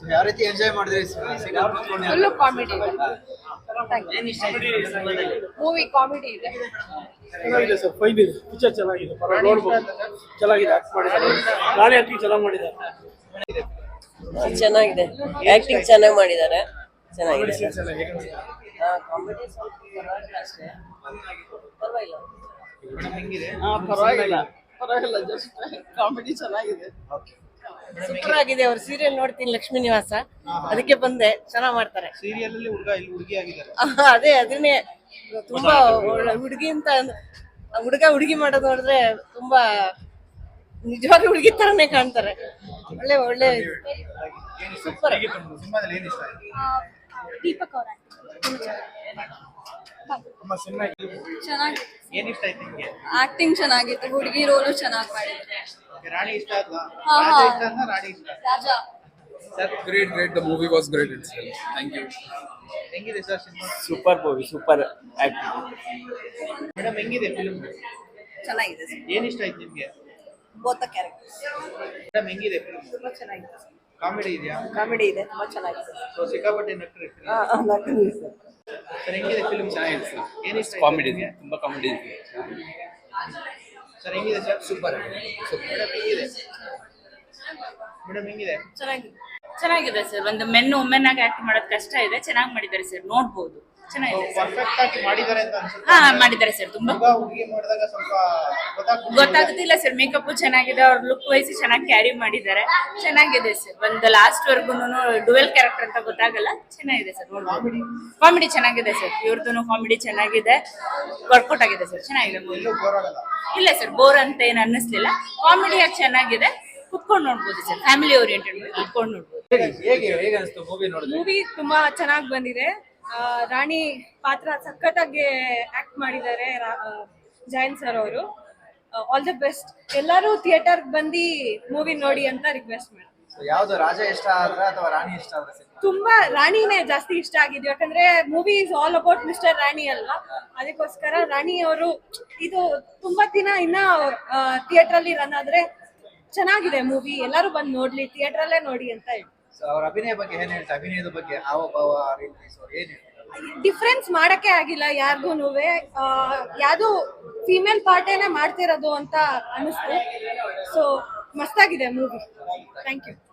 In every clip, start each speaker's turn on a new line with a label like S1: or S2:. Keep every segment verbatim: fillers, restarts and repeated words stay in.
S1: ಯಾವ ರೀತಿ ಎಂಜಾಯ್ ಮಾಡಿದ್ರಿ
S2: ಫುಲ್ಲು ಕಾಮಿಡಿ ಇದೆ. ಮೂವಿ ಕಾಮಿಡಿ ಇದೆ.
S3: ಚೆನ್ನಾಗಿದೆ ಸರ್, ಫೈನ್ ಇದೆ, ಪಿಕ್ಚರ್ ಚೆನ್ನಾಗಿದೆ, ಪರವಾಗಿ ನೋಡ್ಬೋದು, ಚೆನ್ನಾಗಿದೆ, ಆಕ್ಟ್ ಮಾಡಿದ್ದಾರೆ, ನಾನೇ ಆಕ್ಟಿಂಗ್ ಚೆನ್ನಾಗಿ ಮಾಡಿದ್ದಾರೆ.
S4: ಚೆನ್ನಾಗಿದೆ, ಆಕ್ಟಿಂಗ್ ಚೆನ್ನಾಗಿ ಮಾಡಿದ್ದಾರೆ, ಚೆನ್ನಾಗಿದೆ. ಕಾಮಿಡಿ ಸ್ವಲ್ಪ ಪರವಾಗಿಲ್ಲ ಅಷ್ಟೇ, ಪರವಾಗಿಲ್ಲ.
S2: ಪರವಾಗಿಲ್ಲ ಪರವಾಗಿಲ್ಲ ಜಸ್ಟ್ ಕಾಮಿಡಿ ಚೆನ್ನಾಗಿದೆ.
S4: ಸೂಪರ್ ಆಗಿದೆ. ಅವ್ರ ಸೀರಿಯಲ್ ನೋಡ್ತೀನಿ, ಲಕ್ಷ್ಮೀ ನಿವಾಸ, ಅದಕ್ಕೆ ಬಂದೆ. ಚೆನ್ನಾಗಿ ಮಾಡ್ತಾರೆ
S1: ಸೀರಿಯಲ್ ಅಲ್ಲಿ. ಹುಡುಗ ಇಲ್ಲಿ ಹುಡುಗಿ ಆಗಿದ್ದಾರೆ.
S4: ಅದೇ ಅದನ್ನೇ ತುಂಬಾ ಹುಡುಗಿ ಅಂತ ಹುಡುಗ ಹುಡುಗಿ ಮಾಡೋದು ನೋಡಿದ್ರೆ ತುಂಬಾ ನಿಜವಾಗ್ಲೂ ಹುಡುಗಿ ತರನೇ ಕಾಣ್ತಾರೆ. ಒಳ್ಳೆ ಒಳ್ಳೆ ಸೂಪರ್.
S1: ಸಿನಿಮಾದಲ್ಲಿ ಏನ್ ಇಷ್ಟ ಆಯ್ತು?
S2: ದೀಪಕ್ ಅವರ ಚೆನ್ನಾಗಿ
S1: ಏನ್ ಇಷ್ಟ ಆಯ್ತು ನಿಮ್ಗೆ?
S2: ಆಕ್ಟಿಂಗ್ ಚೆನ್ನಾಗಿತ್ತು, ಹುಡುಗಿ ರೋಲು ಚೆನ್ನಾಗಿ ಮಾಡಿದ್ರು.
S1: ರಾಣಿ ಇಷ್ಟ ಆದ್ವಾ?
S2: ಹಾ, ಹಾ.
S1: ರಾಜ ಇಷ್ಟ ಆದ್ವಾ? ರಾಣಿ ಇಷ್ಟ ಆದ್ವಾ?
S2: Raja
S5: Great, great. The movie was great itself. Thank you.
S1: ಹೆಂಗಿದೆ ಸರ್ ಸಿನಿಮಾ?
S6: Super movie, super acting.
S1: Madam ಹೆಂಗಿದೆ ಫಿಲ್ಮ್?
S4: ಚೆನ್ನಾಗಿದೆ.
S1: ಏನ್ ಇಷ್ಟ ಆಯ್ತು ನಿಮ್ಗೆ?
S4: ಬೋತ ಕ್ಯಾರೆಕ್ಟರ್
S1: ಮೇಡಮ್ ಹೆಂಗಿದೆ ಫಿಲ್ಮ್?
S4: ತುಂಬಾ ಚೆನ್ನಾಗಿದೆ.
S1: ಕಾಮಿಡಿ ಇದೆಯಾ?
S4: ಕಾಮಿಡಿ ಇದೆ, ತುಂಬಾ ಚೆನ್ನಾಗಿದೆ.
S1: ಸೊ ಸಿಕ್ಕಾಪಟ್ಟೆ ನಟರು ಇರ್ತಾರೆ. ಸರ್ ಹೆಂಗಿದೆ ಫಿಲ್ಮ್?
S5: ಚೆನ್ನಾಗಿದೆ ಸರ್.
S1: ಏನ್ ಇಷ್ಟ ಆಯ್ತು
S5: ಕಾಮಿಡಿ
S1: ನಿಮ್ಗೆ?
S5: ಇದೆ, ತುಂಬಾ ಕಾಮಿಡಿ ಇದೆ.
S1: ಸರ್ ಹೆಂಗಿದೆ ಸರ್? ಸೂಪರ್. ಮೇಡಮ್ ಹೆಂಗಿದೆ? ಮೇಡಮ್ ಹೆಂಗಿದೆ?
S7: ಚೆನ್ನಾಗಿದೆ ಚೆನ್ನಾಗಿದೆ ಸರ್. ಒಂದು ಮೆನ್ ವುಮೆನ್ ಆಗಿ ಆಕ್ಟ್ ಮಾಡೋದು ಕಷ್ಟ ಇದೆ, ಚೆನ್ನಾಗಿ ಮಾಡಿದ್ದಾರೆ ಸರ್, ನೋಡ್ಬೋದು. ಚೆನ್ನಾಗಿದೆ ಸರ್.
S1: ಪರ್ಫೆಕ್ಟ್ ಆಗಿ ಮಾಡಿದ್ದಾರೆ ಅಂತ ಅನ್ಸುತ್ತೆ.
S7: ಹಾ ಮಾಡಿದ್ದಾರೆ ಸರ್, ತುಂಬಾ
S1: ಹುಡುಗ ಹುಡುಗಿ ಮಾಡಿದಾಗ ಸ್ವಲ್ಪ ಗೊತ್ತಾಗ್ತಿಲ್ಲ.
S7: ಗೊತ್ತಾಗುತ್ತಿಲ್ಲ ಸರ್. ಮೇಕಪ್ ಚೆನ್ನಾಗಿದೆ, ಅವ್ರ ಲುಕ್ ವೈಸ್ ಚೆನ್ನಾಗಿ ಕ್ಯಾರಿ ಮಾಡಿದ್ದಾರೆ, ಚೆನ್ನಾಗಿದೆ ಸರ್. ಒಂದು ಲಾಸ್ಟ್ ವರ್ಗು ಡುವೆಲ್ ಕ್ಯಾರೆಕ್ಟರ್ ಅಂತ ಗೊತ್ತಾಗಲ್ಲ, ಚೆನ್ನಾಗಿದೆ ಸರ್. ನೋಡ್ಬೋದು. ಕಾಮಿಡಿ ಚೆನ್ನಾಗಿದೆ ಸರ್, ಇವ್ರದ್ದು ಕಾಮಿಡಿ ಚೆನ್ನಾಗಿದೆ, ವರ್ಕೌಟ್ ಆಗಿದೆ ಸರ್, ಚೆನ್ನಾಗಿದೆ movie.
S1: ಎಲ್ಲೂ ಬೋರ್ ಆಗಲ್ಲ.
S7: ಇಲ್ಲ ಸರ್, ಬೋರ್ ಅಂತ ಏನು ಅನ್ನಿಸ್ಲಿಲ್ಲ. ಕಾಮಿಡಿಯಾಗಿ ಚೆನ್ನಾಗಿದೆ, ಕುತ್ಕೊಂಡು ನೋಡ್ಬೋದು ಸರ್. ಫ್ಯಾಮಿಲಿ ಓರಿಯೆಂಟೆಡ್ ಮೂವಿ, ಕುತ್ಕೊಂಡು ನೋಡ್ಬೋದು.
S1: ಹೇಗೆ ಹೇಗೆ ಅನಿಸ್ತು ಮೂವಿ ನೋಡಿದ್ರೆ?
S2: ಮೂವಿ ತುಂಬಾ ಚೆನ್ನಾಗಿ ಬಂದಿದೆ. ಆ, ರಾಣಿ ಪಾತ್ರ ಸಖತ್ತಾಗಿ ಆಕ್ಟ್ ಮಾಡಿದ್ದಾರೆ ಜಯಂತ್ ಸರ್ ಅವರು. All the best. ಎಲ್ಲರೂ ಥಿಯೇಟರ್ ಬಂದು ಮೂವಿ ನೋಡಿ ಅಂತ ರಿಕ್ವೆಸ್ಟ್ ಮಾಡಿ.
S1: ಯಾವ್ದು, ರಾಜ ಇಷ್ಟ ಆದ್ರ ಅಥವಾ ರಾಣಿ ಇಷ್ಟ ಆದ್ರ?
S2: ತುಂಬಾ ರಾಣಿನೇ ಜಾಸ್ತಿ ಇಷ್ಟ ಆಗಿದೆ, ಯಾಕಂದ್ರೆ movie is all about mister Rani ಅಲ್ವಾ, ಅದಕ್ಕೋಸ್ಕರ ರಾಣಿ ಅವರು ಇದು ತುಂಬಾ ದಿನ ಇನ್ನ ಥಿಯೇಟರ್ ಅಲ್ಲಿ ರನ್ ಆದ್ರೆ ಚೆನ್ನಾಗಿದೆ ಮೂವಿ. ಎಲ್ಲರೂ ಬಂದು ನೋಡ್ಲಿ, ಥಿಯೇಟರ್ ಅಲ್ಲೇ ನೋಡಿ ಅಂತ ಹೇಳಿ.
S1: ಅವ್ರ ಅಭಿನಯ ಬಗ್ಗೆ ಏನ್ ಹೇಳ್ತಾ? ಅಭಿನಯದ ಬಗ್ಗೆ ಹಾವ ಭಾವ ಏನ್ ಹೇಳ್ತಾರೆ?
S2: ಡಿಫ್ರೆನ್ಸ್ ಮಾಡಕ್ಕೆ ಆಗಿಲ್ಲ ಯಾರಿಗೂನುವೆ. ಯಾವ್ದು ಫಿಮೇಲ್ ಪಾರ್ಟೇನೆ ಮಾಡ್ತಿರೋದು ಅಂತ ಅನಿಸ್ತು. ಸೊ ಮಸ್ತಾಗಿದೆ ಮೂವಿ. Thank you.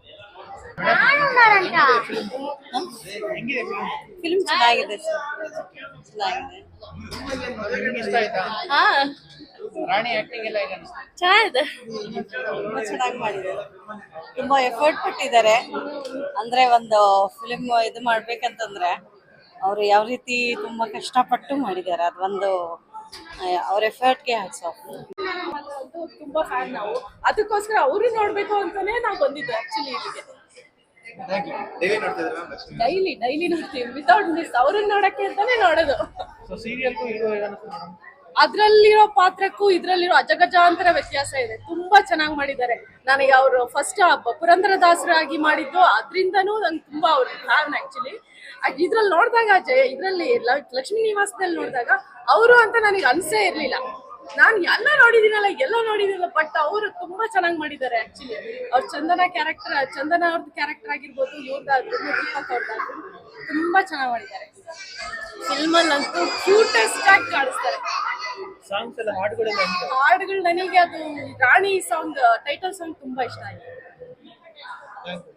S1: ಹೆಂಗಿದೆ film?
S4: ಫಿಲ್ಮ್ ಚೆನ್ನಾಗಿದೆ ಸರ್, ಚೆನ್ನಾಗಿದೆ.
S1: ನಿಮ್ಗೆ ಇಷ್ಟ ಆಯ್ತಾ?
S4: ಹಾ
S1: ರಾಣಿ ಆಕ್ಟಿಂಗ್ ಎಲ್ಲ ಹೇಗೆ ಅನಿಸ್ತು?
S4: ಚೆನ್ನಾಗಿದೆ, ತುಂಬಾ ಚೆನ್ನಾಗಿ ಮಾಡಿದ್ದಾರೆ, ತುಂಬಾ ಎಫರ್ಟ್ ಪಟ್ಟಿದ್ದಾರೆ. ಅಂದ್ರೆ ಒಂದು ಫಿಲ್ಮ್ ಇದು ಮಾಡ್ಬೇಕಂತಂದ್ರೆ ಅವ್ರು ಯಾವ ರೀತಿ ತುಂಬಾ ಕಷ್ಟಪಟ್ಟು ಮಾಡಿದ್ದಾರೆ, ಅದೊಂದು ಅವ್ರ ಎಫರ್ಟ್ಗೆ ಹ್ಯಾಟ್ಸ್ ಆಫ್.
S2: ತುಂಬಾ ಫ್ಯಾನ್ ನಾವು, ಅದಕ್ಕೋಸ್ಕರ ಅವರು ನೋಡ್ಬೇಕು ಅಂತಾನೆ ನಾವು ಬಂದಿದ್ದು ಆಕ್ಚುಲಿ ಇಲ್ಲಿಗೆ.
S1: Thank you. ಡೈಲಿ ನೋಡ್ತಿದ್ದೀರಾ ಮ್ಯಾಮ್ ಲಕ್ಷ್ಮಿ?
S2: ಡೈಲಿ ಡೈಲಿ ನೋಡ್ತೀವಿ, ವಿತೌಟ್ ಮಿಸ್. ಅವ್ರನ್ನ ನೋಡಕ್ಕೆ ಅಂತಾನೆ ನೋಡೋದು.
S1: ಸೊ ಸೀರಿಯಲ್ಗೂ ಇದು ಹೇಗೆ ಅನಿಸ್ತು ಮೇಡಮ್?
S2: ಅದ್ರಲ್ಲಿರೋ ಪಾತ್ರಕ್ಕೂ ಇದ್ರಲ್ಲಿರೋ ಅಜಗಜಾಂತರ ವ್ಯತ್ಯಾಸ ಇದೆ. ತುಂಬಾ ಚೆನ್ನಾಗಿ ಮಾಡಿದ್ದಾರೆ. ನನಗೆ ಅವರು ಫಸ್ಟ್ ಪುರಂದರದಾಸರಾಗಿ ಮಾಡಿದ್ದು ಅದ್ರಿಂದನೂ ನಂಗೆ ತುಂಬಾ ಅವ್ರ ಫ್ಯಾನ್ ಆಕ್ಚುಲಿ. ಇದ್ರಲ್ಲಿ ನೋಡಿದಾಗ ಜಯ ಇದ್ರಲ್ಲಿ ಲಕ್ಷ್ಮೀ ನಿವಾಸದಲ್ಲಿ ನೋಡಿದಾಗ ಅವರು ಅಂತ ನನಗೆ ಅನ್ಸೇ ಇರ್ಲಿಲ್ಲ. ನಾನು ಎಲ್ಲ ನೋಡಿದೀನಲ್ಲ ಎಲ್ಲ ನೋಡಿದಿಲ್ಲ, ಬಟ್ ಅವರು ತುಂಬಾ ಚೆನ್ನಾಗಿ ಮಾಡಿದ್ದಾರೆ ಆಕ್ಚುಲಿ. ಅವ್ರ ಚಂದನ ಕ್ಯಾರೆಕ್ಟರ್, ಚಂದನ ಅವ್ರದ್ದು ಕ್ಯಾರೆಕ್ಟರ್ ಆಗಿರ್ಬೋದು, ಇವ್ರದ್ದಾದ್ರು ದೀಪಕ್ ಅವ್ರದ್ದಾದ್ರು ತುಂಬಾ ಚೆನ್ನಾಗಿ ಮಾಡಿದ್ದಾರೆ. ಫಿಲ್ಮ್ ಅಲ್ಲಂತೂ ಕ್ಯೂಟೆಸ್ಟ್ ಆಗಿ ಕಾಣಿಸ್ತಾರೆ.
S1: ಸಾಂಗ್ಸ್ ಎಲ್ಲ ಹಾಡುಗಳೆಲ್ಲ ಹೆಂಗಿದೆ?
S2: ಹಾಡುಗಳು ನನಗೆ ಅದು ರಾಣಿ ಸಾಂಗ್, ಟೈಟಲ್ ಸಾಂಗ್ ತುಂಬಾ ಇಷ್ಟ ಆಯ್ತು.
S1: Thank you.